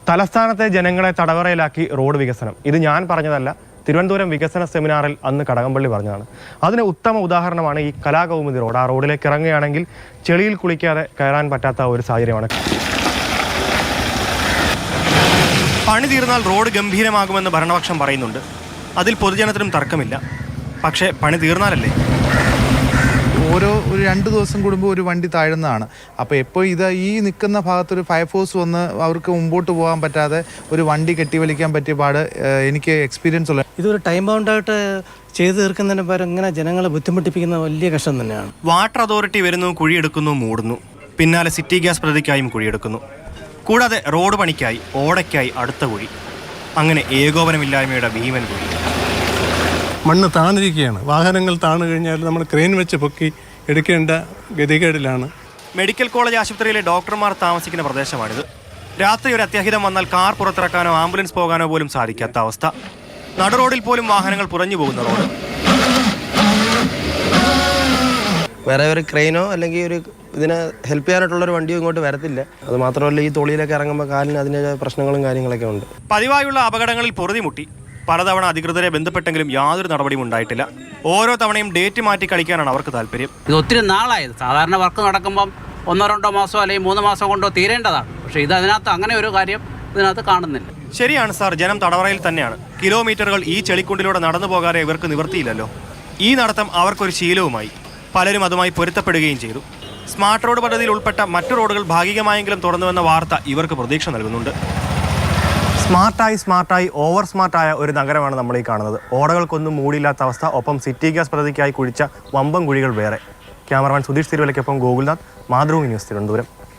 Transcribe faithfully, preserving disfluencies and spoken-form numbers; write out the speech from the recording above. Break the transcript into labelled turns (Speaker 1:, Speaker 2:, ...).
Speaker 1: തലസ്ഥാനത്തെ ജനങ്ങളെ തടവറയിലാക്കി റോഡ് വികസനം. ഇത് ഞാൻ പറഞ്ഞതല്ല, തിരുവനന്തപുരം വികസന സെമിനാറിൽ അന്ന് കടകംപള്ളി പറഞ്ഞതാണ്. അതിന് ഉത്തമ ഉദാഹരണമാണ് ഈ കലാകൗമുദി റോഡ്. ആ റോഡിലേക്ക് ഇറങ്ങുകയാണെങ്കിൽ ചെളിയിൽ കുളിക്കാതെ കയറാൻ പറ്റാത്ത ഒരു സാഹചര്യമാണ്. പണി തീർന്നാൽ റോഡ് ഗംഭീരമാകുമെന്ന് ഭരണപക്ഷം പറയുന്നുണ്ട്. അതിൽ പൊതുജനത്തിനും തർക്കമില്ല. പക്ഷേ പണി തീർന്നാലല്ലേ?
Speaker 2: ഓരോ ഒരു രണ്ട് ദിവസം കൂടുമ്പോൾ ഒരു വണ്ടി താഴുന്നതാണ്. അപ്പോൾ എപ്പോൾ ഇത് ഈ നിൽക്കുന്ന ഭാഗത്തൊരു ഫയർഫോഴ്സ് വന്ന് അവർക്ക് മുമ്പോട്ട് പോകാൻ പറ്റാതെ ഒരു വണ്ടി കെട്ടിവലിക്കാൻ പറ്റിയ പാട് എനിക്ക് എക്സ്പീരിയൻസ് ഉള്ള.
Speaker 3: ഇതൊരു ടൈം ബൗണ്ടായിട്ട് ചെയ്തു തീർക്കുന്നതിന് പകരം ഇങ്ങനെ ജനങ്ങളെ ബുദ്ധിമുട്ടിപ്പിക്കുന്ന വലിയ കഷ്ടം തന്നെയാണ്.
Speaker 1: വാട്ടർ അതോറിറ്റി വരുന്നു, കുഴിയെടുക്കുന്നു, മൂടുന്നു. പിന്നാലെ സിറ്റി ഗ്യാസ് പദ്ധതിക്കായും കുഴിയെടുക്കുന്നു. കൂടാതെ റോഡ് പണിക്കായി, ഓടയ്ക്കായി അടുത്ത കുഴി. അങ്ങനെ ഏകോപനമില്ലായ്മയുടെ ഭീമൻ കുഴി.
Speaker 4: മണ്ണ് താണിരിക്കുകയാണ്. വാഹനങ്ങൾ താണു കഴിഞ്ഞാൽ നമ്മൾ ക്രെയിൻ വെച്ച് പൊക്കി എടുക്കേണ്ട ഗതികേടിലാണ്.
Speaker 1: മെഡിക്കൽ കോളേജ് ആശുപത്രിയിലെ ഡോക്ടർമാർ താമസിക്കുന്ന പ്രദേശമാണിത്. രാത്രി ഒരു അത്യാഹിതം വന്നാൽ കാർ പുറത്തിറക്കാനോ ആംബുലൻസ് പോകാനോ പോലും സാധിക്കാത്ത അവസ്ഥ. നടുറോഡിൽ പോലും വാഹനങ്ങൾ പുറഞ്ഞു പോകുന്ന റോഡ്.
Speaker 3: വേറെ ഒരു ക്രെയിനോ അല്ലെങ്കിൽ ഒരു ഇതിനെ ഹെൽപ്പ് ചെയ്യാനായിട്ടുള്ളൊരു വണ്ടിയോ ഇങ്ങോട്ട് വരത്തില്ല. അത് മാത്രമല്ല, ഈ തൊളിയിലൊക്കെ ഇറങ്ങുമ്പോൾ കാലിന് അതിൻ്റെ പ്രശ്നങ്ങളും കാര്യങ്ങളൊക്കെ ഉണ്ട്.
Speaker 1: പതിവായുള്ള അപകടങ്ങളിൽ പൊറുതിമുട്ടി പലതവണ അധികൃതരെ ബന്ധപ്പെട്ടെങ്കിലും യാതൊരു നടപടിയും ഉണ്ടായിട്ടില്ല. ഓരോ തവണയും ഡേറ്റ് മാറ്റി കളിക്കാനാണ് അവർക്ക് താല്പര്യം.
Speaker 5: ഇത് ഒത്തിരി നാളായത്. സാധാരണ വർക്ക് നടക്കുമ്പം ഒന്നോ രണ്ടോ മാസമോ അല്ലെങ്കിൽ മൂന്ന് മാസം കൊണ്ടോ തീരേണ്ടതാണ്. പക്ഷേ ഇത് അതിനകത്ത് അങ്ങനെ ഒരു കാര്യം ഇതിനകത്ത് കാണുന്നില്ല.
Speaker 1: ശരിയാണ് സാർ, ജനം തടവറയിൽ തന്നെയാണ്. കിലോമീറ്ററുകൾ ഈ ചെളിക്കുണ്ടിലൂടെ നടന്നു പോകാതെ ഇവർക്ക് നിവൃത്തിയില്ലല്ലോ. ഈ നടത്തം അവർക്കൊരു ശീലവുമായി. പലരും അതുമായി പൊരുത്തപ്പെടുകയും ചെയ്തു. സ്മാർട്ട് റോഡ് പദ്ധതിയിൽ ഉൾപ്പെട്ട മറ്റു റോഡുകൾ ഭാഗികമായെങ്കിലും തുറന്നുവെന്ന വാർത്ത ഇവർക്ക് പ്രതീക്ഷ നൽകുന്നുണ്ട്. സ്മാർട്ടായി സ്മാർട്ടായി ഓവർ സ്മാർട്ടായ ഒരു നഗരമാണ് നമ്മൾ ഈ കാണുന്നത്. ഓടകൾക്കൊന്നും മൂടിയില്ലാത്ത അവസ്ഥ. ഒപ്പം സിറ്റി ഗ്യാസ് പദ്ധതിക്കായി കുഴിച്ച വമ്പൻ കുഴികൾ വേറെ. ക്യാമറമാൻ സുധീഷ് തിരുവല്ലയ്ക്കൊപ്പം ഗോകുൽനാഥ്, മാതൃഭൂമി ന്യൂസ്, തിരുവനന്തപുരം.